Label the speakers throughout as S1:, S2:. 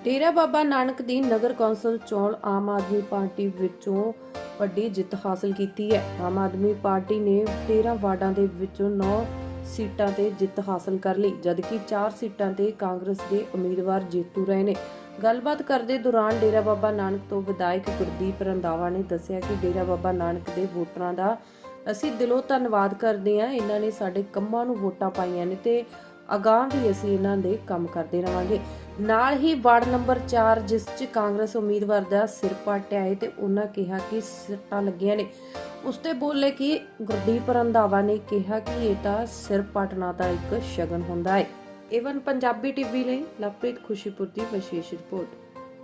S1: डेरा बाबा नानक दी नगर council चोण आम आदमी party विचों ਵੱਡੀ ਜਿੱਤ ਹਾਸਲ ਕੀਤੀ ਹੈ। ਆਮ ਆਦਮੀ ਪਾਰਟੀ ਨੇ 13 ਵਾਰਡਾਂ ਦੇ ਵਿੱਚੋਂ 9 ਸੀਟਾਂ ਤੇ ਜਿੱਤ ਹਾਸਲ ਕਰ ਲਈ, ਜਦਕਿ 4 ਸੀਟਾਂ ਤੇ ਕਾਂਗਰਸ ਦੇ ਉਮੀਦਵਾਰ ਜੇਤੂ ਰਹੇ ਨੇ। ਗੱਲਬਾਤ ਕਰਦੇ ਦੌਰਾਨ ਡੇਰਾ ਬਾਬਾ ਨਾਨਕ ਤੋਂ ਵਿਧਾਇਕ ਗੁਰਦੀਪ ਰੰਧਾਵਾ ਨੇ ਦੱਸਿਆ ਕਿ ਡੇਰਾ ਬਾਬਾ ਨਾਨਕ ਦੇ ਵੋਟਰਾਂ ਦਾ ਅਸੀਂ ਦਿਲੋਂ ਧੰਨਵਾਦ ਕਰਦੇ ਹਾਂ। ਇਹਨਾਂ ਨੇ ਸਾਡੇ ਕੰਮਾਂ ਨੂੰ ਵੋਟਾਂ ਪਾਈਆਂ ਨੇ ਤੇ ਅਗਾਂਹ ਵੀ ਅਸੀਂ ਇਹਨਾਂ ਦੇ ਕੰਮ ਕਰਦੇ ਰਵਾਂਗੇ। ਨਾਲ ਹੀ ਵਾਰਡ ਨੰਬਰ 4 ਜਿਸ 'ਚ ਕਾਂਗਰਸ ਉਮੀਦਵਾਰ ਦਾ ਸਿਰ ਪਾਟਿਆ ਹੈ ਤੇ ਉਹਨਾਂ ਕਿਹਾ ਕਿ ਸੱਟਾਂ ਲੱਗੀਆਂ ਨੇ। ਉਸ ਤੇ ਬੋਲੇ ਕਿ ਗੁਰਦੀਪ ਰੰਧਾਵਾ ਨੇ ਕਿਹਾ ਕਿ ਇਹ ਤਾਂ ਸਿਰ ਪਾਟਣਾ ਦਾ ਇੱਕ ਸ਼ਗਨ ਹੁੰਦਾ ਹੈ। ਏਵਨ ਪੰਜਾਬੀ ਟੀਵੀ ਲਈ ਲਵਪ੍ਰੀਤ ਖੁਸ਼ੀਪੁਰ ਦੀ ਵਿਸ਼ੇਸ਼ ਰਿਪੋਰਟ।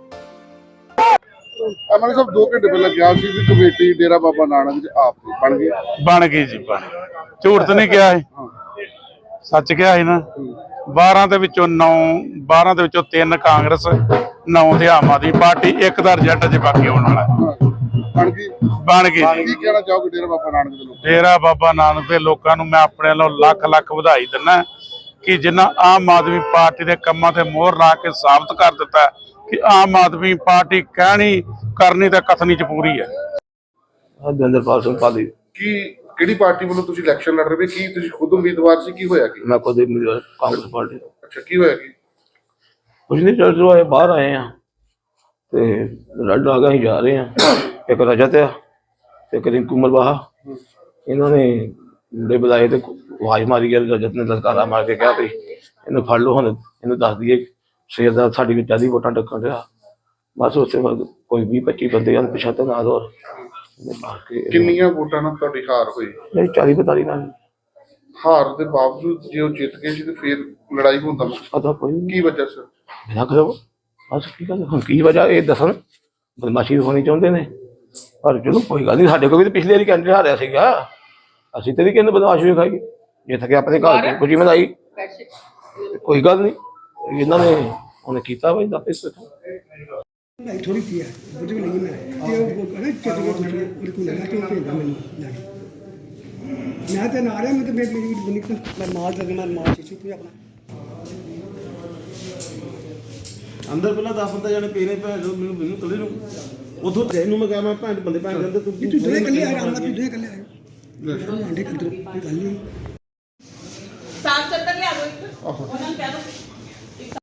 S2: ਅਮਨ ਸਾਹਿਬ 2 ਘੰਟੇ ਪਹਿਲਾਂ ਗਿਆ ਸੀ ਵੀ ਕਮੇਟੀ ਡੇਰਾ ਬਾਬਾ ਨਾਨਕ ਆਪ ਬਣ ਗਈ
S3: ਜੀ ਬਣ ਝੂਠ ਤਾਂ ਨਹੀਂ ਕਿਹਾ ਹੈ, ਸੱਚ ਕਿਹਾ ਹੈ ਨਾ। 12 ਦੇ ਵਿੱਚੋਂ 9 12 ਦੇ ਵਿੱਚੋਂ 3 ਕਾਂਗਰਸ 9 ਤੇ ਆਮ ਆਦਮੀ ਪਾਰਟੀ, ਇੱਕ ਦਾ ਰਿਜ਼ਲਟ ਅਜੇ ਬਾਕੀ ਆਉਣ ਵਾਲਾ
S2: ਬਣ ਗਈ
S3: ਜੀ।
S2: ਕੀ ਕਹਿਣਾ ਚਾਹੋਗੇ ਡੇਰਾ ਬਾਬਾ ਨਾਨਕ ਦੇ ਲੋਕਾਂ
S3: ਡੇਰਾ ਬਾਬਾ ਨਾਨਕ ਦੇ ਲੋਕਾਂ ਨੂੰ ਮੈਂ ਆਪਣੇ ਵੱਲੋਂ ਲੱਖ ਲੱਖ ਵਧਾਈ ਦਿੰਦਾ ਕਿ ਜਿਨ੍ਹਾਂ ਆਮ ਆਦਮੀ ਪਾਰਟੀ ਦੇ ਕੰਮਾਂ ਤੇ ਮੋਹਰ ਲਾ ਕੇ ਸਾਬਤ ਕਰ ਦਿੱਤਾ ਕਿ ਆਮ ਆਦਮੀ ਪਾਰਟੀ ਕਹਿਣੀ ਕਰਨੀ ਤੇ ਕਥਨੀ ਚ ਪੂਰੀ ਹੈ।
S4: ਦਵਿੰਦਰਪਾਲ ਸਿੰਘ ਪਾਲੀ।
S2: ਕਿਹੜੀ ਪਾਰਟੀ ਵੱਲੋਂ ਤੁਸੀਂ ਇਲੈਕਸ਼ਨ ਲੜ ਰਹੇ ਹੋ? ਕੀ ਤੁਸੀਂ ਖੁਦ ਉਮੀਦਵਾਰ ਸੀ? ਕੀ ਹੋਇਆ?
S4: ਮੈਂ ਖੁਦ ਉਮੀਦਵਾਰ ਕਾਂਗਰਸ ਪਾਰਟੀ।
S2: ਅੱਛਾ, ਕੀ ਹੋਇਆ?
S4: ਕੁਝ ਨਹੀਂ, ਚਲੋ ਆਏ ਬਾਹਰ ਆਏ ਆ ਤੇ ਰੱਡ ਆ ਗਏ ਜਾ ਰਹੇ ਆ। ਇੱਕ ਰਜਤ ਆ ਤੇ ਇੱਕ ਰਿੰਕੂ ਮਰਵਾਹਾ, ਇਹਨਾਂ ਨੇ ਮੁੰਡੇ ਬੁਲਾਏ ਤੇ ਆਵਾਜ਼ ਮਾਰੀ ਗਿਆ। ਰਜਤ ਨੇ ਲਲਕਾਰਾ ਮਾਰ ਕੇ ਕਿਹਾ ਵੀ ਇਹਨੂੰ ਫੜ ਲਓ, ਹੁਣ ਇਹਨੂੰ ਦੱਸ ਦਈਏ ਸ਼ੇਰ ਦਾ ਸਾਡੀ ਵਿੱਚ ਆਦੀ ਵੋਟਾਂ ਟੱਕਣ ਰਿਹਾ। ਬਸ ਉਸੇ ਵਕਤ ਕੋਈ 20-25 ਬੰਦੇ ਹਨ ਪਿਛਾ ਤੇ ਨਾਲ ਹੋਰ
S2: ਕਿੰਨੀਆਂ ਵੋਟਾਂ ਨਾਲ ਤੁਹਾਡੀ ਹਾਰ ਹੋਈ?
S4: 40-45 ਨਾਲ।
S2: ਹਾਰ ਦੇ ਬਾਵਜੂਦ ਜੇ ਉਹ ਜਿੱਤ ਗਏ ਸੀ ਤੇ ਫਿਰ ਲੜਾਈ ਹੋਣ ਦਾ
S4: ਪਤਾ ਕੋਈ
S2: ਕੀ ਵਜ੍ਹਾ ਸਰ?
S4: ਬਿਨਾਂ ਕਰੋ ਬਸ ਕੀ ਗੱਲ ਹੁਣ ਕੀ ਵਜ੍ਹਾ ਇਹ ਦੱਸਣ। ਬਦਮਾਸ਼ੀ ਹੋਣੀ ਚਾਹੁੰਦੇ ਨੇ, ਪਰ ਚਲੋ ਕੋਈ ਗੱਲ ਨਹੀਂ। ਸਾਡੇ ਕੋਲ ਵੀ ਤਾਂ ਪਿਛਲੇ ਵਾਰੀ ਕੈਂਡੀਡੇਟ ਹਾਰਿਆ ਸੀਗਾ, ਅਸੀਂ ਤੇ ਵੀ ਕਹਿੰਦੇ ਬਦਮਾਸ਼ੀ ਵੀ ਖਾਈ ਜਿੱਤ ਕੇ ਆਪਣੇ ਘਰ ਖੁਸ਼ੀ ਮਨਾਈ। ਕੋਈ ਗੱਲ ਨਹੀਂ, ਇਹਨਾਂ ਨੇ ਉਹਨੇ ਕੀਤਾ ਬਈ ਦੱਸ
S5: थोड़ी थी है मुझे नहीं मैं अरे चलिए बिल्कुल लगा तो भेजा मैंने लगे मैं तो ना रहा मैं तो मेरी मैं माल लगे मैं माल चीज़ भी अपना
S6: अंदर पहला 10 जाने पेने भैन जो मैनू कले नूं उधों तैनूं मैं कहा मैं भैन बंदे भैन अंदर तू
S5: दोने कल्ले आए राम तू दोने कल्ले आए आंटे कंट्रोल कोई गल नहीं
S7: साफ चद्दर ले आ दो, उन्होंने कह दो